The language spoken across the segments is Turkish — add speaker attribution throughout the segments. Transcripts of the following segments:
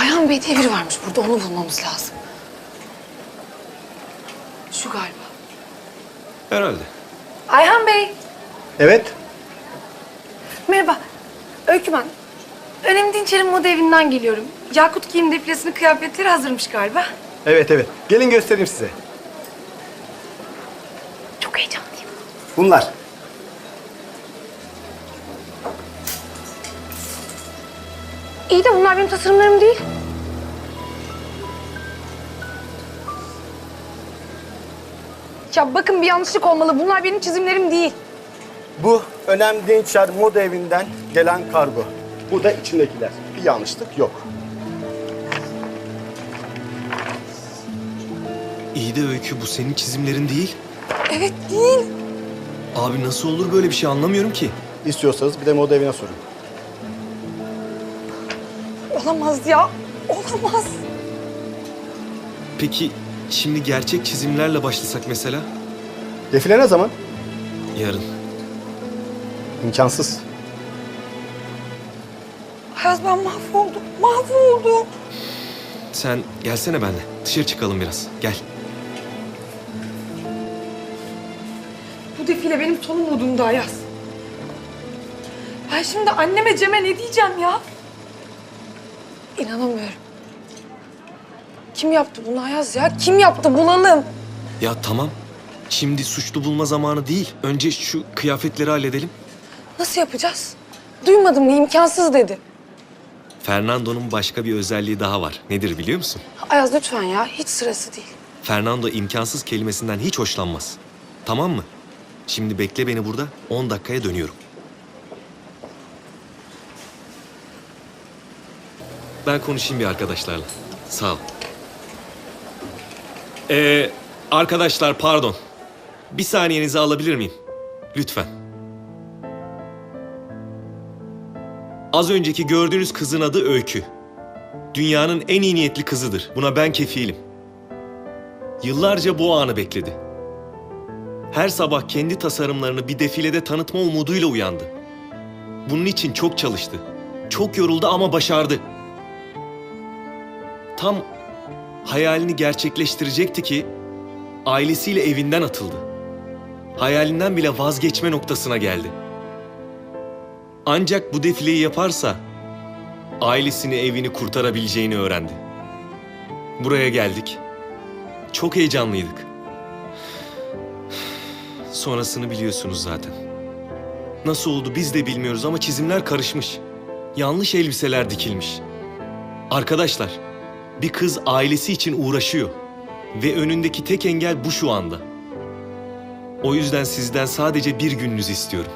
Speaker 1: Ayhan Bey diye biri varmış burada. Onu bulmamız lazım. Şu galiba.
Speaker 2: Herhalde.
Speaker 1: Ayhan Bey.
Speaker 3: Evet.
Speaker 1: Merhaba. Öykü ben. Önemli Dinçer'in moda evinden geliyorum. Yakut giyim defilesinin kıyafetleri hazırmış galiba.
Speaker 3: Evet. Gelin göstereyim size.
Speaker 1: Çok heyecanlıyım.
Speaker 3: Bunlar.
Speaker 1: İyi de bunlar benim tasarımlarım değil. Ya bakın bir yanlışlık olmalı. Bunlar benim çizimlerim değil.
Speaker 3: Bu Önemli Dinçer Moda Evi'nden gelen kargo. Bu da içindekiler. Bir yanlışlık yok.
Speaker 2: İyi de Öykü, bu senin çizimlerin değil.
Speaker 1: Evet değil.
Speaker 2: Abi nasıl olur böyle bir şey, anlamıyorum ki.
Speaker 3: İstiyorsanız bir de moda evine sorun.
Speaker 1: Olamaz ya. Olamaz.
Speaker 2: Peki şimdi gerçek çizimlerle başlasak mesela?
Speaker 3: Defile ne zaman?
Speaker 2: Yarın.
Speaker 3: İmkansız.
Speaker 1: Ayaz ben mahvoldum. Mahvoldum.
Speaker 2: Sen gelsene benimle. Dışarı çıkalım biraz. Gel.
Speaker 1: Bu defile benim son umudumdu Ayaz. Ben şimdi anneme Cem'e ne diyeceğim ya? İnanamıyorum. Kim yaptı bunu Ayaz ya? Kim yaptı? Bulalım.
Speaker 2: Ya tamam. Şimdi suçlu bulma zamanı değil. Önce şu kıyafetleri halledelim.
Speaker 1: Nasıl yapacağız? Duymadım mı? İmkansız dedi.
Speaker 2: Fernando'nun başka bir özelliği daha var. Nedir biliyor musun?
Speaker 1: Ayaz lütfen ya. Hiç sırası değil.
Speaker 2: Fernando imkansız kelimesinden hiç hoşlanmaz. Tamam mı? Şimdi bekle beni burada. 10 dakikaya dönüyorum. Ben konuşayım bir arkadaşlarla. Sağ ol. Arkadaşlar pardon. Bir saniyenizi alabilir miyim? Lütfen. Az önceki gördüğünüz kızın adı Öykü. Dünyanın en iyi niyetli kızıdır. Buna ben kefilim. Yıllarca bu anı bekledi. Her sabah kendi tasarımlarını bir defilede tanıtma umuduyla uyandı. Bunun için çok çalıştı. Çok yoruldu ama başardı. Tam hayalini gerçekleştirecekti ki ailesiyle evinden atıldı. Hayalinden bile vazgeçme noktasına geldi. Ancak bu defileyi yaparsa ailesini, evini kurtarabileceğini öğrendi. Buraya geldik. Çok heyecanlıydık. Sonrasını biliyorsunuz zaten. Nasıl oldu biz de bilmiyoruz ama çizimler karışmış. Yanlış elbiseler dikilmiş. Arkadaşlar, bir kız ailesi için uğraşıyor. Ve önündeki tek engel bu şu anda. O yüzden sizden sadece bir gününüzü istiyorum.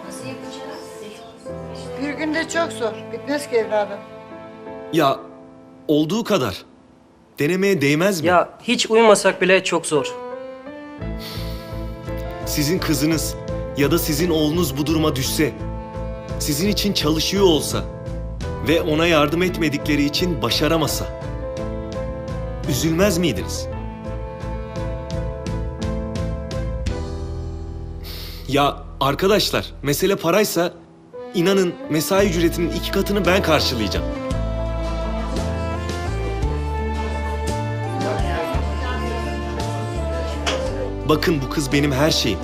Speaker 4: Bir günde çok zor. Bitmez ki evladım.
Speaker 2: Ya, olduğu kadar. Denemeye değmez mi?
Speaker 5: Ya hiç uyumasak bile çok zor.
Speaker 2: Sizin kızınız ya da sizin oğlunuz bu duruma düşse, sizin için çalışıyor olsa ve ona yardım etmedikleri için başaramasa, üzülmez miydiniz? Ya arkadaşlar, mesele paraysa inanın mesai ücretinin 2 katını ben karşılayacağım. Bakın bu kız benim her şeyim.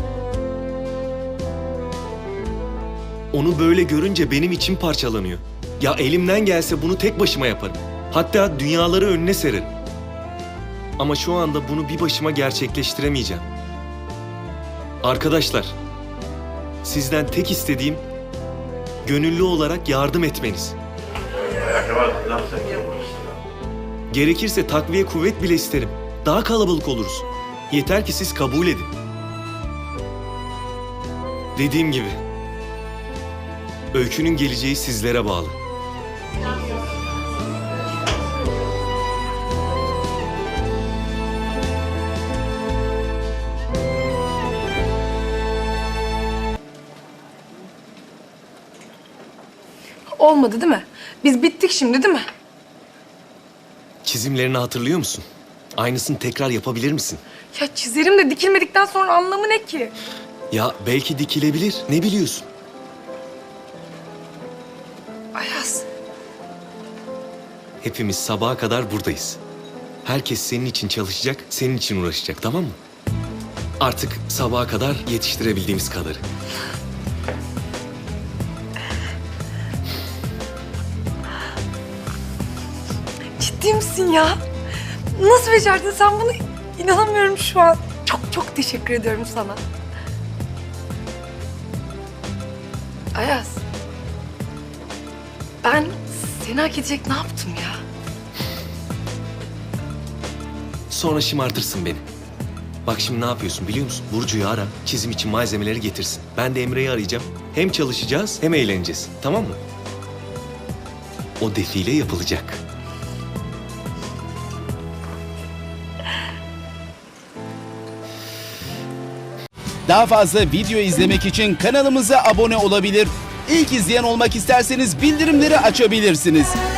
Speaker 2: Onu böyle görünce benim içim parçalanıyor. Ya elimden gelse bunu tek başıma yaparım. Hatta dünyaları önüne sererim. Ama şu anda bunu bir başıma gerçekleştiremeyeceğim. Arkadaşlar, sizden tek istediğim gönüllü olarak yardım etmeniz. Gerekirse takviye kuvvet bile isterim. Daha kalabalık oluruz. Yeter ki siz kabul edin. Dediğim gibi, Öykü'nün geleceği sizlere bağlı.
Speaker 1: Olmadı değil mi? Biz bittik şimdi değil mi?
Speaker 2: Çizimlerini hatırlıyor musun? Aynısını tekrar yapabilir misin?
Speaker 1: Ya çizerim de dikilmedikten sonra anlamı ne ki?
Speaker 2: Ya belki dikilebilir, ne biliyorsun?
Speaker 1: Ayaz.
Speaker 2: hepimiz sabaha kadar buradayız. Herkes senin için çalışacak, senin için uğraşacak, tamam mı? Artık sabaha kadar yetiştirebildiğimiz kadarı.
Speaker 1: Ciddi misin ya? Nasıl becerdin sen bunu? İnanamıyorum şu an. Çok çok teşekkür ediyorum sana. Ayaz. Ben seni hak edecek ne yaptım ya?
Speaker 2: Sonra şımartırsın beni. Bak şimdi ne yapıyorsun biliyor musun? Burcu'yu ara, çizim için malzemeleri getirsin. Ben de Emre'yi arayacağım. Hem çalışacağız hem eğleneceğiz. Tamam mı? O defile yapılacak.
Speaker 6: Daha fazla video izlemek için kanalımıza abone olabilir. İlk izleyen olmak isterseniz bildirimleri açabilirsiniz.